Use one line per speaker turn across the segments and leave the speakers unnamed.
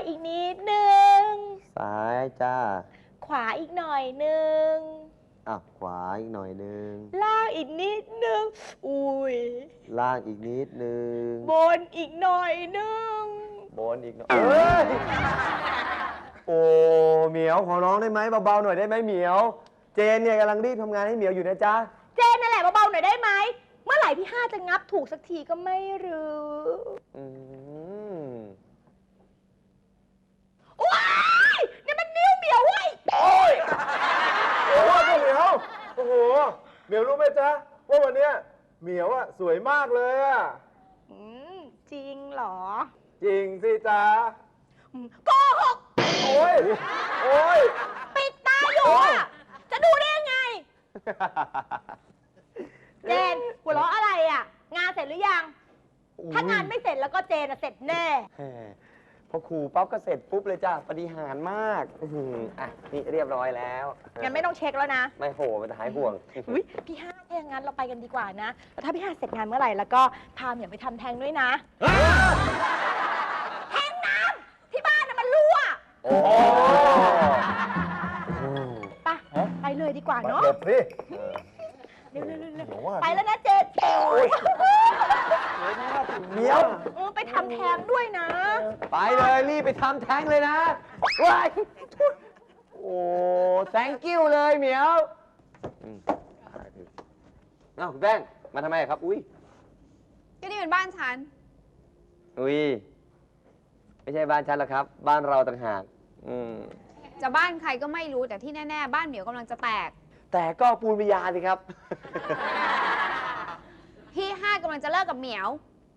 อีกนิดนึง
ซ้ายจ้า
ขวาอีกหน่อยนึง
ขวาอีกหน่อยนึง
ล่างอีกนิดนึงอุ้ย
ล่างอีกนิดนึง
บนอีกหน่อยนึง
บนอีกหน่อยโอ้เหมียวขอร้องได้ไหมเบาๆหน่อยได้ไหมเหมียวเจนเนี่ยกำลังรีบทำงานให้เหมียวอยู่นะจ๊ะ
เจนนั่นแหละเบาๆหน่อยได้ไหมเมื่อไหร่พี่ห้าจะงับถูกสักทีก็ไม่รู้ว้ายนี่มันนิ้วเหมียวเว้ย
โอ้ยโอ้โหเหมียวโอ้โหเหมียวรู้ไหมจ๊ะว่าวันเนี้ยเหมียวอะสวยมากเลยอะ
จริงเหรอ
จริงสิจ๊ะ
โกหก
โอ้ยโอ้ย
ปิดตาอยู่อะจะดูได้ยังไงเจนหัวเราะอะไรอ่ะงานเสร็จหรือยังถ้างานไม่เสร็จแล้วก็เจนเสร็จแน่
พอขู่ปั๊บก็เสร็จปุ๊บเลยจ้ะปฏิหารย์มากนี่เรียบร้อยแล้ว
งั้นไม่ต้องเช็คแล้วนะ
ไม่โหมันหายห่วง
พี่ห้าถ้าอย่างนั้นเราไปกันดีกว่านะแล้วถ้าพี่ห้าเสร็จงานเมื่อไหร่แล้วก็พาเหมียวไปทำแท้งด้วยนะแท้งน้ำที่บ้านน่ะมันรั่ว
โอ้
ไปเลยดีกว่าเนาะ
หลบสิ
เร็วไปแล้วนะเจน
เหมียว
ไปทำแท้งด้วยนะ
ไปเลยรีบไปทำแท้งเลยนะว้ายโอ้ thank you เลยเหมียวคุณแป้งมาทำไมครับอุ้ย
ก็นี่เป็นบ้านฉัน
อุ้ยไม่ใช่บ้านฉันหรอกครับบ้านเราต่างหาก
จะบ้านใครก็ไม่รู้แต่ที่แน่ๆบ้านเหมียวกำลังจะแตก
แต่ก็ปูนปิยาสิครับ
พี่ห้ากำลังจะเลิกกับเหมียว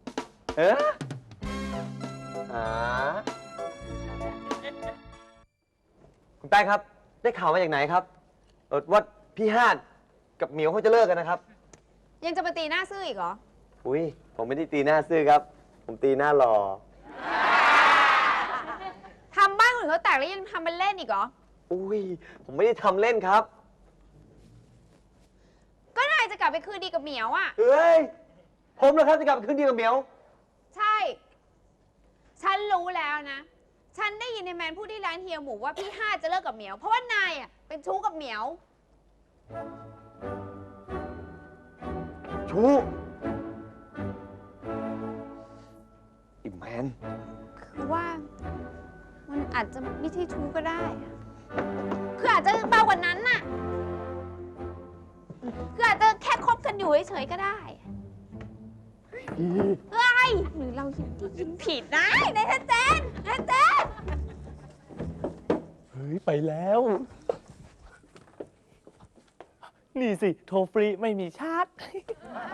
คุณแป้งครับได้ข่าวมาจากไหนครับว่าพี่ฮาดกับเหมียวเขาจะเลิกกันนะครับ
ยังจะมาตีหน้าซื่ออีกเหรอ
อุ้ยผมไม่ได้ตีหน้าซื่อครับผมตีหน้าหล่อ
ทำบ้านคนอื่นเขาแตกแล้วยังทำเป็นเล่นอีกเหรอ
อุ้ยผมไม่ได้ทำเล่นครับ
ก็นายจะกลับไปคืนดีกับเหมียวอ่ะ
เฮ้ยผมเหรอครับจะกลับไปคืนดีกับเหมียว
ใช่ฉันรู้แล้วนะฉันได้ยินในแมนพูดที่ร้านเฮียหมูว่าพี่ห้าจะเลิกกับเหมียวเพราะว่านายอ่ะเป็นชู้กับเหมียว
ชู้อิมแมน
คือว่ามันอาจจะไม่ใช่ชู้ก็ได้คืออาจจะเบากว่านั้นน่ะคืออาจจะแค่คบกันอยู่เฉยๆก็ได้เฮ้ยหรือเรายินผิดนะนายเจน
เฮ้ยไปแล้วนี่สิโทรฟรีไม่มีชาร์จ